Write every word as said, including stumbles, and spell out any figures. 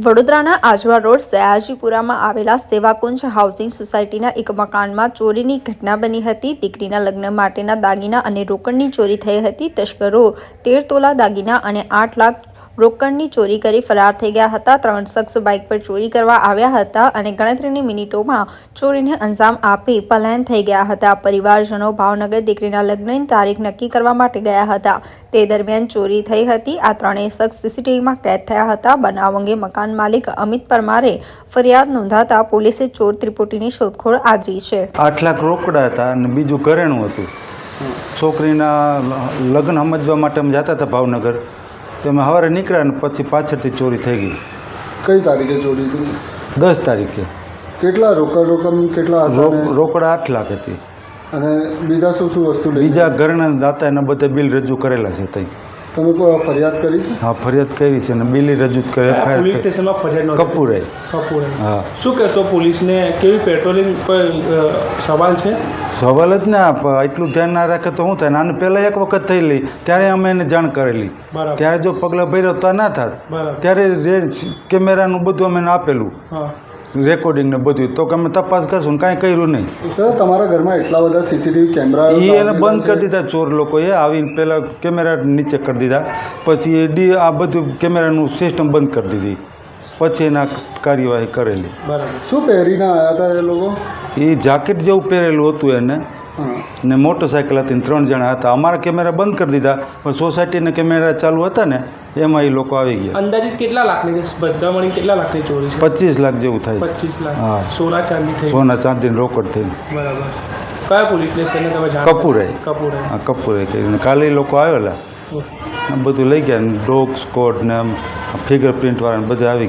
વડોદરાના આજવા રોડ સયાજીપુરામાં આવેલા સેવાકુંજ હાઉસિંગ સોસાયટીના એક મકાનમાં ચોરીની ઘટના બની હતી। દીકરીના લગ્ન માટેના દાગીના અને રોકડની ચોરી થઈ હતી। તસ્કરો તેર તોલા દાગીના અને આઠ લાખ રોકડની ચોરી કરી ફરાર થઈ ગયા હતા। ત્રણ શખ્સ બાઇક પર ચોરી કરવા આવ્યા હતા અને ગણતરીની મિનિટોમાં ચોરીને અંજામ આપી પલાયન થઈ ગયા હતા। પરિવારજનો ભાવનગર દીકરીના લગ્નની તારીખ નક્કી કરવા માટે ગયા હતા। તે દરમિયાન ચોરી થઈ હતી। આ ત્રણેય શખ્સ સીસીટીવીમાં કેદ થયા હતા। બનાવ અંગે મકાન માલિક અમિત પરમારે ફરિયાદ નોંધાતા પોલીસે ચોર ત્રિપુટીની શોધખોળ આદરી છે। આઠ લાખ રોકડા હતા અને બીજું ઘરેણું હતું। છોકરીના લગ્ન સમજવા માટે અમે જતા હતા ભાવનગર, તો અમે સવારે નીકળ્યા ને પછી પાછળથી ચોરી થઈ ગઈ। કઈ તારીખે ચોરી થઈ? દસ તારીખે। કેટલા રોકડ રકમ કેટલા હતા? રોકડા આઠ લાખ હતી અને બીજા શું શું વસ્તુ લઈ? બીજા ઘરેણા દાતા એના બધા બિલ રજૂ કરેલા છે। તઈ તમે કોઈ ફરિયાદ કરી છે? હા, ફરિયાદ કરી છે અને બિલ રજૂ કરે પોલીસ સ્ટેશનમાં ફરિયાદ કપૂરે કપૂરે હા। શું કહેશો પોલીસને? કેવી પેટ્રોલિંગ પર સવાલ છે? સવાલ જ ના, એટલું ધ્યાન ના રાખે તો શું થાય? આને પહેલાં એક વખત થયેલી ત્યારે અમે એને જાણ કરેલી, ત્યારે જો પગલાં ભર્યો તો ના થાત। ત્યારે કેમેરાનું બધું અમે આપેલું, રેકોર્ડિંગ ને બધું, તો અમે તપાસ કરશું ને કાંઈ કર્યું નહીં। તમારા ઘરમાં એટલા બધા સીસીટીવી કેમેરા એ એને બંધ કરી દીધા ચોર લોકોએ આવીને, પહેલાં કેમેરા નીચે કરી દીધા, પછી એ ડી આ બધું કેમેરાનું સિસ્ટમ બંધ કરી દીધી, પછી એના કાર્યવાહી કરેલી। શું પહેરીને આવ્યા હતા એ લોકો? એ જાકેટ જેવું પહેરેલું હતું એને, ને મોટરસાઇકલ હતી, ત્રણ જણા હતા। અમારા કેમેરા બંધ કરી દીધા, પણ સોસાયટીના કેમેરા ચાલુ હતા ને એમાં એ લોકો આવી ગયા। અંદાજિત કેટલા લાખની બધા મળી કેટલા લાખની ચોરી છે? પચીસ લાખ જેવું થાય। પચીસ લાખ? હા, સોના ચાંદી થઈ? સોના ચાંદી રોકડ થઈ। બરાબર। કયા પોલીસ સ્ટેશને તમે જાણ? કપૂરે કપૂરે હા, કપૂરે કરીને કાલે એ લોકો આવેલા, બધું લઈ ગયા, ડોગ સ્કોડ ને ફિંગર પ્રિન્ટ વાળા બધા આવી ગયા।